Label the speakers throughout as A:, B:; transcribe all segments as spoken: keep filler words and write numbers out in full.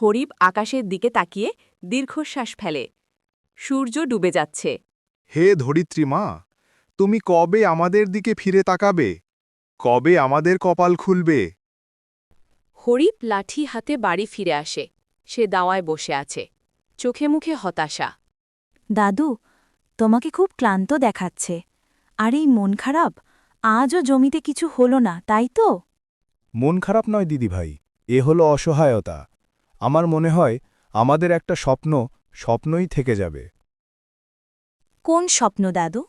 A: হরিপ আকাশের দিকে তাকিয়ে দীর্ঘশ্বাস ফেলে। সূর্য ডুবে যাচ্ছে।
B: হে ধরিত্রী মা, তুমি কবে আমাদের দিকে ফিরে তাকাবে? কবে আমাদের কপাল খুলবে?
A: হরিপ লাঠি হাতে বাড়ি ফিরে আসে। সে দাওয়ায় বসে আছে, চোখে মুখে হতাশা।
C: দাদু, তোমাকে খুব ক্লান্ত দেখাচ্ছে। আর এই মন খারাপ, আজও জমিতে কিছু হলো না, তাই তো?
D: মন খারাপ নয় দিদিভাই, এ হলো অসহায়তা। আমার মনে হয় আমাদের একটা স্বপ্ন স্বপ্নই থেকে যাবে।
C: কোন স্বপ্ন দাদু?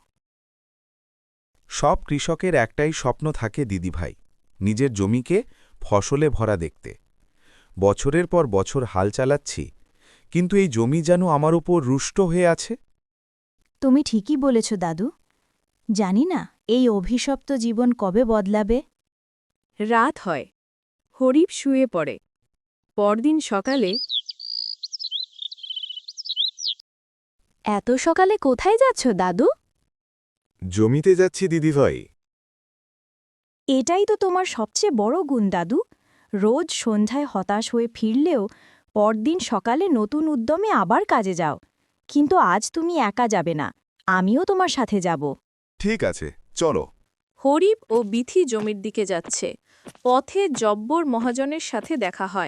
E: সব কৃষকের একটাই স্বপ্ন থাকে দিদিভাই, নিজের জমিকে ফসলে ভরা দেখতে। বছরের পর বছর হাল চালাচ্ছি, কিন্তু এই জমি যেন আমার উপর রুষ্ট হয়ে আছে।
C: তুমি ঠিকই বলেছ দাদু। জানি না এই অভিশপ্ত জীবন কবে বদলাবে।
A: রাত হয়। হরিপ শুয়ে পড়ে। পরদিন সকালে।
C: এত সকালে কোথায় যাচ্ছ দাদু?
E: জমিতে যাচ্ছি দিদিভাই।
C: এটাই তো তোমার সবচেয়ে বড় গুণ দাদু। রোজ সন্ধ্যায় হতাশ হয়ে ফিরলেও পরদিন সকালে নতুন উদ্যমে আবার কাজে যাও। কিন্তু আজ তুমি একা যাবে না, আমিও তোমার সাথে যাব।
E: ঠিক আছে, চলো।
A: হরিপ ও বিথি জমির দিকে যাচ্ছে। পথে জব্বর মহাজনের সাথে দেখা হয়।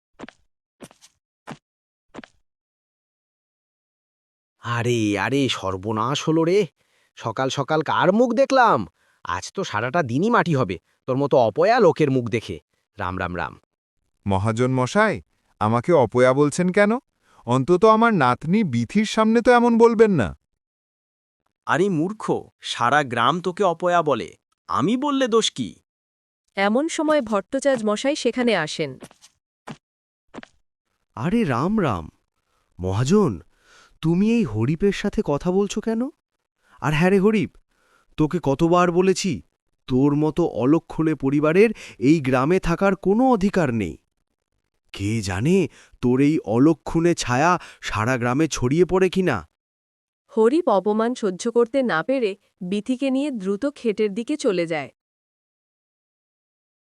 F: আরে আরে সর্বনাশ হলো রে। সকাল সকাল কার মুখ দেখলাম? আজ তো সারাটা দিনই মাটি হবে তোর মতো অপয়া লোকের মুখ দেখে। রাম রাম রাম।
B: মহাজন মশাই, আমাকে অপয়া বলছেন কেন? অন্তত আমার নাতনি বিথির সামনে তো এমন বলবেন না।
G: আরে মূর্খ, সারা গ্রাম তোকে অপয়া বলে, আমি বললে দোষ কি?
A: এমন সময় ভট্টাচার্য মশাই সেখানে আসেন।
H: আরে রাম রাম মহাজন, তুমি এই হরিপের সাথে কথা বলছো কেন? আর হ্যাঁ রে হরিপ, তোকে কতবার বলেছি তোর মতো অলক্ষণে পরিবারের এই গ্রামে থাকার কোনো অধিকার নেই। কে জানে তোর এই অলক্ষণে ছায়া সারা গ্রামে ছড়িয়ে পড়ে কিনা।
A: হরিপ অপমান সহ্য করতে না পেরে বিথিকে নিয়ে দ্রুত ক্ষেতের দিকে চলে যায়।